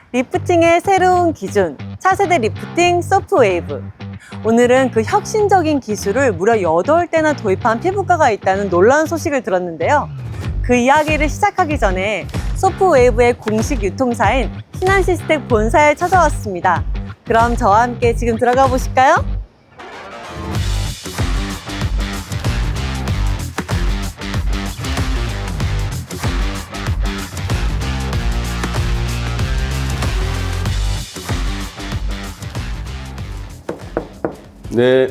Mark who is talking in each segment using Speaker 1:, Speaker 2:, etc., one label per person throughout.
Speaker 1: 리프팅의 새로운 기준, 차세대 리프팅 소프웨이브. 오늘은 그 혁신적인 기술을 무려 8대나 도입한 피부과가 있다는 놀라운 소식을 들었는데요. 그 이야기를 시작하기 전에 소프웨이브의 공식 유통사인 신한시스텍 본사에 찾아왔습니다. 그럼 저와 함께 지금 들어가 보실까요?
Speaker 2: 네.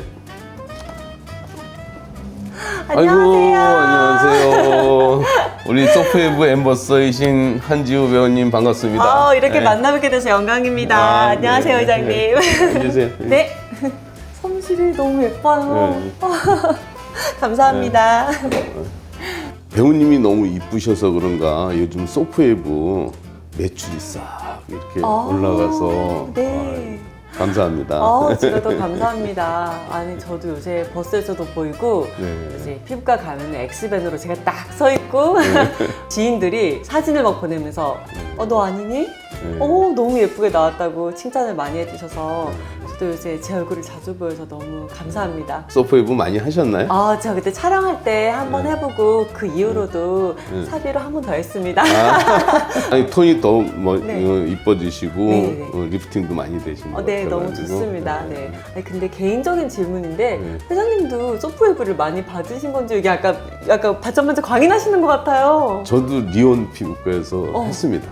Speaker 1: 안녕하세요.
Speaker 2: 안녕하세요. 우리 소프웨이브 엠버서이신 한지우 배우님 반갑습니다.
Speaker 1: 이렇게
Speaker 2: 네.
Speaker 1: 만나뵙게 돼서 영광입니다. 안녕하세요,
Speaker 2: 네.
Speaker 1: 회장님.
Speaker 2: 네. 앉으세요.
Speaker 1: 네. 솜실이 너무 예뻐요.
Speaker 2: 네.
Speaker 1: 감사합니다.
Speaker 2: 배우님이 너무 이쁘셔서 그런가 요즘 소프웨이브 매출이 싹 이렇게 올라가서
Speaker 1: 네.
Speaker 2: 감사합니다.
Speaker 1: 제가 더 감사합니다. 아니, 저도 요새 버스에서도 보이고,
Speaker 2: 네.
Speaker 1: 이제 피부과 가면 엑스밴으로 제가 딱 서 있고, 지인들이 사진을 막 보내면서, 너 아니니?
Speaker 2: 네.
Speaker 1: 너무 예쁘게 나왔다고 칭찬을 많이 해주셔서, 저도 요새 제 얼굴을 자주 보여서 너무 감사합니다.
Speaker 2: 소프웨이브 많이 하셨나요?
Speaker 1: 제가 그때 촬영할 때 한 번 해보고, 그 이후로도 사비로 한 번 더 했습니다.
Speaker 2: 아니, 톤이 더
Speaker 1: 네.
Speaker 2: 이뻐지시고
Speaker 1: 네.
Speaker 2: 리프팅도 많이 되시는 것
Speaker 1: 네,
Speaker 2: 같아가지고.
Speaker 1: 너무 좋습니다. 네. 아니, 근데 개인적인 질문인데,
Speaker 2: 네.
Speaker 1: 회장님도 소프웨이브를 많이 받으신 건지, 이게 약간 반짝반짝 광이 나시는 것 같아요.
Speaker 2: 저도 리온 피부과에서 했습니다.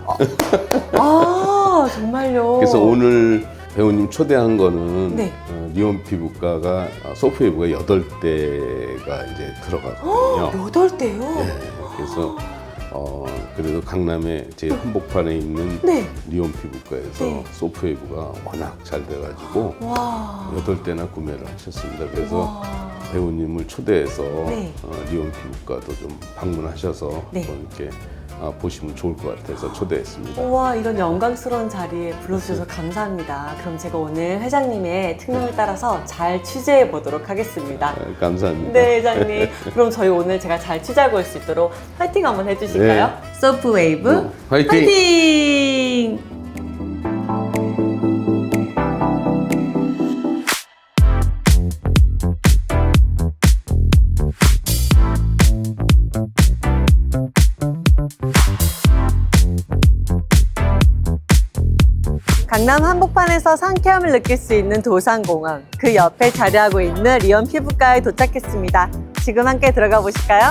Speaker 1: 정말요?
Speaker 2: 그래서 오늘 배우님 초대한 거는
Speaker 1: 네.
Speaker 2: 리온 피부과가 소프웨이브가 8대가 이제 들어가거든요.
Speaker 1: 8대요?
Speaker 2: 네, 그래서 그래도 강남에 제 한복판에 있는
Speaker 1: 네.
Speaker 2: 리온 피부과에서
Speaker 1: 네.
Speaker 2: 소프웨이브가 워낙 잘 돼가지고
Speaker 1: 와.
Speaker 2: 8대나 구매를 하셨습니다. 그래서
Speaker 1: 와.
Speaker 2: 배우님을 초대해서
Speaker 1: 네.
Speaker 2: 리온 피부과도 좀 방문하셔서
Speaker 1: 네.
Speaker 2: 한번 이렇게 보시면 좋을 것 같아서 초대했습니다.
Speaker 1: 우와, 이런 영광스러운 자리에 불러주셔서 감사합니다. 그럼 제가 오늘 회장님의 특명을 따라서 잘 취재해 보도록 하겠습니다.
Speaker 2: 감사합니다.
Speaker 1: 네, 회장님. 그럼 저희 오늘 제가 잘 취재하고 올 수 있도록 화이팅 한번 해주실까요? 소프웨이브
Speaker 2: 화이팅!
Speaker 1: 화이팅! 강남 한복판에서 상쾌함을 느낄 수 있는 도산공원, 그 옆에 자리하고 있는 리온 피부과에 도착했습니다. 지금 함께 들어가 보실까요?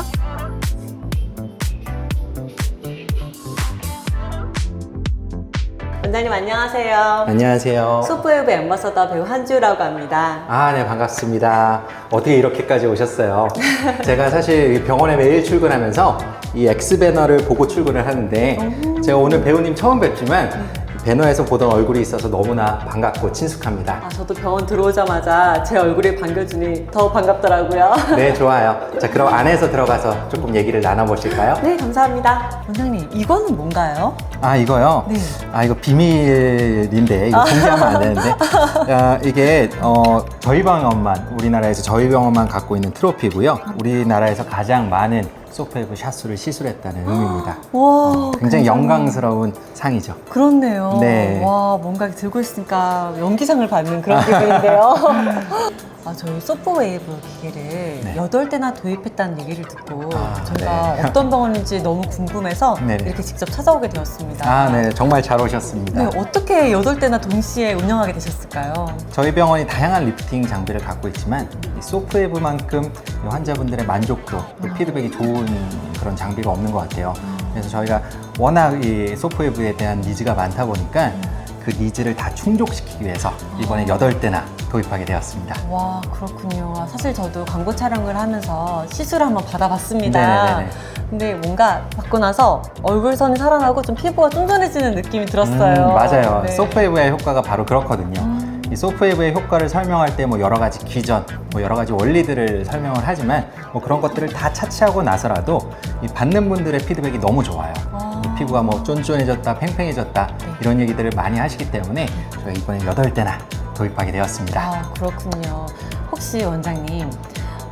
Speaker 1: 원장님 안녕하세요.
Speaker 3: 안녕하세요.
Speaker 1: 소프웨이브 엠버서더 배우 한지우라고 합니다.
Speaker 3: 네, 반갑습니다. 어떻게 이렇게까지 오셨어요? 제가 사실 병원에 매일 출근하면서 이 X배너를 보고 출근을 하는데 제가 오늘 배우님 처음 뵙지만 배너에서 보던 얼굴이 있어서 너무나 반갑고 친숙합니다.
Speaker 1: 저도 병원 들어오자마자 제 얼굴에 반겨주니 더 반갑더라고요.
Speaker 3: 네, 좋아요. 자, 그럼 안에서 들어가서 조금 얘기를 나눠보실까요?
Speaker 1: 네, 감사합니다. 원장님, 이거는 뭔가요?
Speaker 3: 이거요?
Speaker 1: 네.
Speaker 3: 이거 비밀인데, 이거 공개하면 안 되는데. 이게, 저희 병원만, 우리나라에서 저희 병원만 갖고 있는 트로피고요. 우리나라에서 가장 많은 소프웨이브 샷수를 시술했다는 의미입니다.
Speaker 1: 와,
Speaker 3: 굉장히 영광스러운 상이죠.
Speaker 1: 그렇네요.
Speaker 3: 네.
Speaker 1: 와, 뭔가 들고 있으니까 연기상을 받는 그런 기분인데요. 저희 소프웨이브 기계를
Speaker 3: 네.
Speaker 1: 8대나 도입했다는 얘기를 듣고 저희가
Speaker 3: 네.
Speaker 1: 어떤 병원인지 너무 궁금해서
Speaker 3: 네네.
Speaker 1: 이렇게 직접 찾아오게 되었습니다.
Speaker 3: 네. 정말 잘 오셨습니다.
Speaker 1: 네, 어떻게 8대나 동시에 운영하게 되셨을까요?
Speaker 3: 저희 병원이 다양한 리프팅 장비를 갖고 있지만 이 소프웨이브만큼 환자분들의 만족도, 또 피드백이 좋은 그런 장비가 없는 것 같아요. 그래서 저희가 워낙 이 소프웨이브에 대한 니즈가 많다 보니까 그 니즈를 다 충족시키기 위해서 이번에 8대나 도입하게 되었습니다.
Speaker 1: 와, 그렇군요. 사실 저도 광고 촬영을 하면서 시술을 한번 받아봤습니다.
Speaker 3: 네네네.
Speaker 1: 근데 뭔가 받고 나서 얼굴선이 살아나고 좀 피부가 쫀쫀해지는 느낌이 들었어요.
Speaker 3: 맞아요.
Speaker 1: 네.
Speaker 3: 소프웨이브의 효과가 바로 그렇거든요. 이 소프웨이브의 효과를 설명할 때 뭐 여러 가지 기전, 뭐 여러 가지 원리들을 설명을 하지만 뭐 그런 것들을 다 차치하고 나서라도 이 받는 분들의 피드백이 너무 좋아요. 이 피부가 뭐 쫀쫀해졌다, 팽팽해졌다 이런 얘기들을 많이 하시기 때문에 저희가 이번에 8대나 도입하게 되었습니다.
Speaker 1: 그렇군요. 혹시 원장님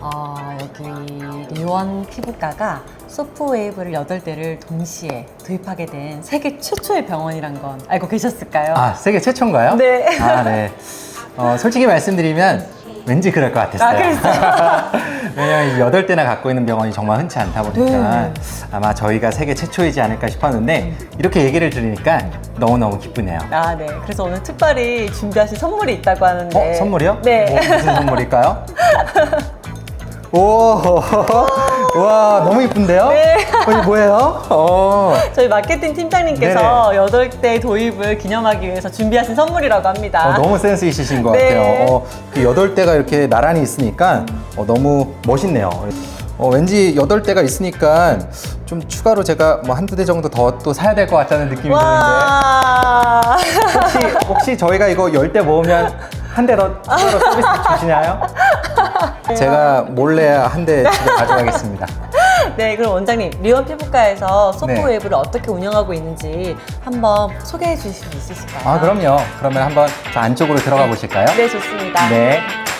Speaker 1: 여기 리원 피부과가 소프웨이브를 8대를 동시에 도입하게 된 세계 최초의 병원이란 건 알고 계셨을까요?
Speaker 3: 아, 세계 최초인가요?
Speaker 1: 네.
Speaker 3: 아, 네. 솔직히 말씀드리면 왠지 그럴 것 같았어요. 왜냐면 8대나 갖고 있는 병원이 정말 흔치 않다 보니까
Speaker 1: 네.
Speaker 3: 아마 저희가 세계 최초이지 않을까 싶었는데 이렇게 얘기를 들으니까 너무너무 기쁘네요.
Speaker 1: 아, 네. 그래서 오늘 특별히 준비하신 선물이 있다고 하는데.
Speaker 3: 선물이요?
Speaker 1: 네.
Speaker 3: 무슨 선물일까요? 오, 와, 너무 이쁜데요?
Speaker 1: 네.
Speaker 3: 이게 뭐예요?
Speaker 1: 저희 마케팅 팀장님께서 8대 도입을 기념하기 위해서 준비하신 선물이라고 합니다.
Speaker 3: 너무 센스 있으신 것
Speaker 1: 네.
Speaker 3: 같아요. 그 8대가 이렇게 나란히 있으니까 너무 멋있네요. 왠지 8대가 있으니까 좀 추가로 제가 뭐 한두 대 정도 더 또 사야 될 것 같다는 느낌이 드는데
Speaker 1: 와.
Speaker 3: 혹시 저희가 이거 10대 모으면 한 대 더 추가로 서비스 주시나요? 제가 몰래 한 대 집에 가져가겠습니다.
Speaker 1: 네, 그럼 원장님, 리원 피부과에서 소프웨이브를 어떻게 운영하고 있는지 한번 소개해 주실 수 있으실까요?
Speaker 3: 아, 그럼요. 그러면 한번 저 안쪽으로 들어가 보실까요?
Speaker 1: 네, 좋습니다.
Speaker 3: 네.